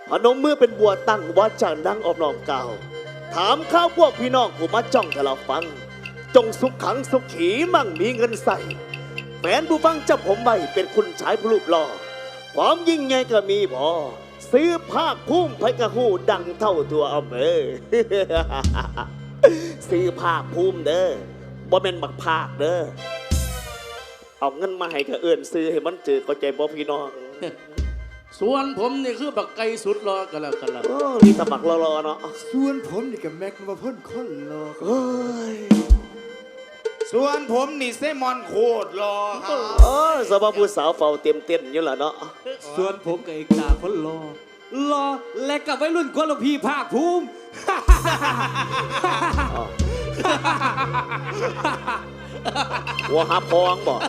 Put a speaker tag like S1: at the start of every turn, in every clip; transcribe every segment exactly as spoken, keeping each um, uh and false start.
S1: พนมมือเป็นบัวตั้งวาจาดังออบน้อมกล่าวถามข้าวพวกพี่น้องผู้มาจ้องทะเลาฟังจงสุขขังสุขขีมั่งมีเงินใส่แฟนผู้ฟังจับผมไว้เป็นคุณชายผู้รูปหล่อความยิ่งใหญ่ก็มีพอซื้อภาคภูมิไพกระหูดังเท่าตัวอำเภอ ซื้อภาคภูมิเด้อบ่เป็นบักภาคเด้อเอาเงินมาให้กระเอื่นซื้อให้มันจืดก็ใจบ่พี่น้อง
S2: ส่วนผมนี่คือบักไก่สุดรอกันแล้วกันแล้ว
S1: โอ้นี่ตะบักรอๆเนาะ
S3: ส่วนผมนี่กับแม็กมาพ่นคนรอ
S1: เฮ้ย
S4: ส่วนผมนี่เซมอนโคตรรอครับ
S1: โอ้สบายผู้สาวเฝ้าเต็มเต้นอยู่ล่ะเนาะ
S3: ส่วนผมกับเอกตาคนรอรอและกับวัยรุ่นคนละพี่ภาคภูมิ
S1: หัวหาพองบอก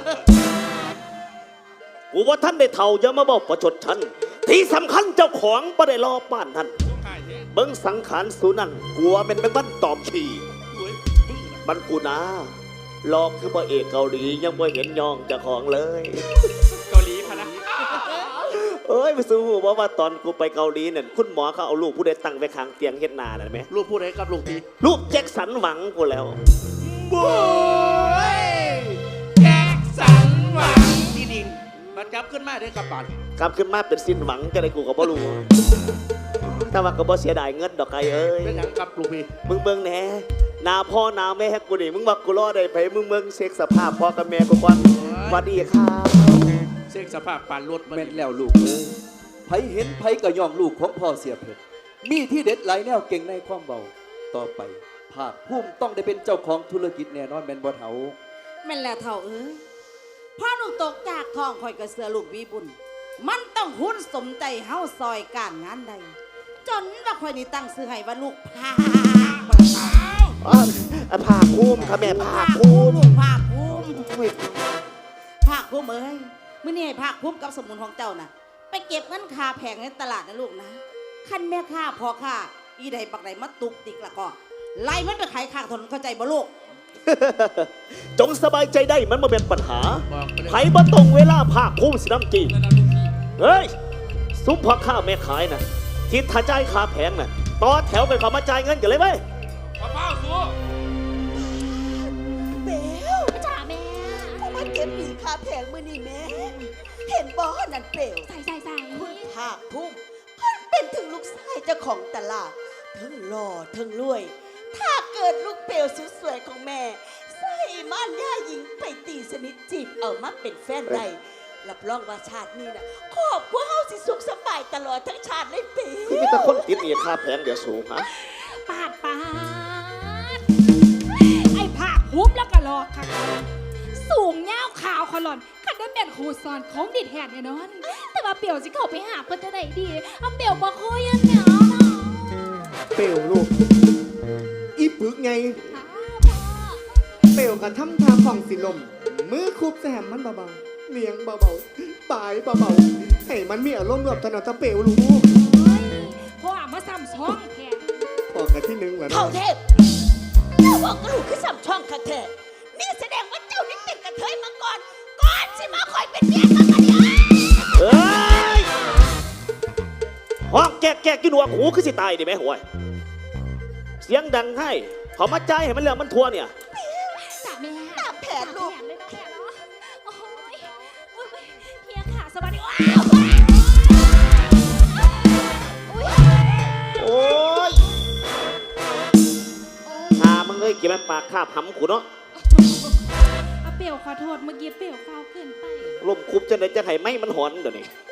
S1: กูว่าท่านได้เท่าอย่ามาบอกประชดฉันที่สำคัญเจ้าของบ่ได้รอป้านท่านเบิ้งสังขารสูนั่นกลัวเป็นแมงวันตอมฉี่มันกูนะลอกคือพระเอกเกาหลียังไม่เห็นยองเจ้าของเลย
S4: เกาหลีพะนะ
S1: เอ้ยไปสู้ว่าว่าตอนกูไปเกาหลีเนี่ยคุณหมอเขาเอาลูกผู้ใดตั้งไว้ข้างเตียงเฮ็ดนาน่ะไหม
S2: ลูกผู้ใดกับลูกพี่
S1: ลูกแจ็คสันหวังกูแล้ว
S4: บุ้ยแจ็คสันหวัง
S2: ที่ดินบัดจับขึ้นมาได้กับบาด
S1: กลับขึ้นมาเป็นสิ้นหวังจะได้กูก็บ่รู้แต่ว่าก็บ่เสียดายเงินดอกไก่เอ้ย
S2: เป็นหยังกับลูกพี่
S1: มึงเบิ่งแหน่หน้าพ่อหน้าแม่ให้กูนี่มึงว่ากูรอได้ไผมึงเบิ่งเช็คสภาพพ่อกับแม่กูก่อนสวัสดีครับ
S2: เซ็กสภาพปานรถมัน
S3: แม่นแล้วลูกเอ้ยไผเห็นไผก็ย่องลูกของพ่อเสียเพชรมีที่เด็ดหลายแนวเก่งในความเบาต่อไปภาคภูมิต้องได้เป็นเจ้าของธุรกิจแน่นอนแม่นบ่เฒ่า
S5: แม่นแล้วเท่าเอ้ยพ่อหนูตกจากท้องคอยกระเสือลูกวีบุญมันต้องหุ้นสมใจเฮาซอยการงานใดจนว่าคอยนี่ตั้งซื้อให้ว่าลูกพาบ่เท้า
S1: อ๋ออ่ะภาคภูมิค่ะแม่ภาคภูมิ
S5: ลูกภาคภูมิภาคภูมิเอ้ยมื้อนี้ให้ภาคภูมิกับสมุนของเจ้าน่ะไปเก็บเงินคาแพงในตลาดนะลูกนะคันแม่ค้าพอค้าอีใดบักใดมาตุกติกละก็ไล่มันไปขายข้างถนนเข้าใจบ่ลูก
S1: จงสบายใจได้มันมาเป็นปัญหา
S2: บอกไปเลย
S1: ไผบ่ตรงเวลาภาคภูมิสิน้ำจีเฮ้ยซุปพ่อข้าแม่ขายนะทิศถ้าจ่ายค่าแพงน่ะต่อแถวไปขอมาจ่ายเงินกันเลยไหม
S4: มะพร้าวสู
S6: เบล
S5: จ้าแม่
S6: ผู้มาเก็บหนีคาแผงมือนี่แม่ เห็นบ่อนั่นเปลว
S5: ใส่ใส่ใส่
S6: คุณภาคภูมิเพิ่นเป็นถึงลูกชายเจ้าของตลาดทั้งหล่อทั้งรวย ถ้าเกิดลูกเปลวสวยๆของแม่ ใส่ม่านย่าหญิงไปตีสนิทจีบเอามาเป็นแฟนได้รับรองว่าชาตินี้นะครอบครัวเฮาสิสุขสบายตลอดทั้งชาติเลยเปล
S1: คือมีแต่คนติดหนี้ค่าแพงเดี๋ยวสูงฮะ
S7: ปาดปาดไอ้ผ้าหุ้มแล้วก็รอค่ะสูงเงาขาวขลอนคันได้เป็นครูสอนของดิดแหนแน่นอน แต่ว่าเปียวสิเข้าไปหาเพื่อนจะไหนดีเอาเปียวบอกคุยกันเนาะ
S3: เปลวลูกอีปึกไง
S7: พ่อ
S8: เปลวกระทำทางของสิลม มือคุบแซมมันเบาๆเนียงเบาๆปลายเบาๆให้มันมีอารมณ์รวบตอนเอาตะเปลวลูก
S7: เฮ้ยพ่อมาซ้ำช่องแทน
S8: พอกันที่หนึ่งแล้ว
S6: เท่าเทพเจ้าบอกกระลูกคือสัมช่องคักแท้นี่แสดงว่าเจ้านี่เป็นกระเทยมาก่อน ก่อนสิมาคอยเป็นเมียกันมาเนี่ย
S1: เอ้ยห้องแกะแกะกินหัวหูคือสิตายดิแม่ห่วยเสียงดังให้ขอมาจ่ายให้มันเรื่องมันทัวเนี่ย
S7: จ้าแม่
S6: ตามแผนลูก
S7: ตามแผนเลยเนาะแม่เนาะโอ้ยโอ้ยเฮียขาสวัสดีว้าว
S1: โอ้ยหามึงเอ้ยเก็บมันปากคาบหำกูเนาะ
S7: เอาเปียวขอโทษเมื่อกี้เปียวฟาวเกินไป
S1: ลมคุบจะไหนจะให้ไหมมันหอนเดี๋ยวนี้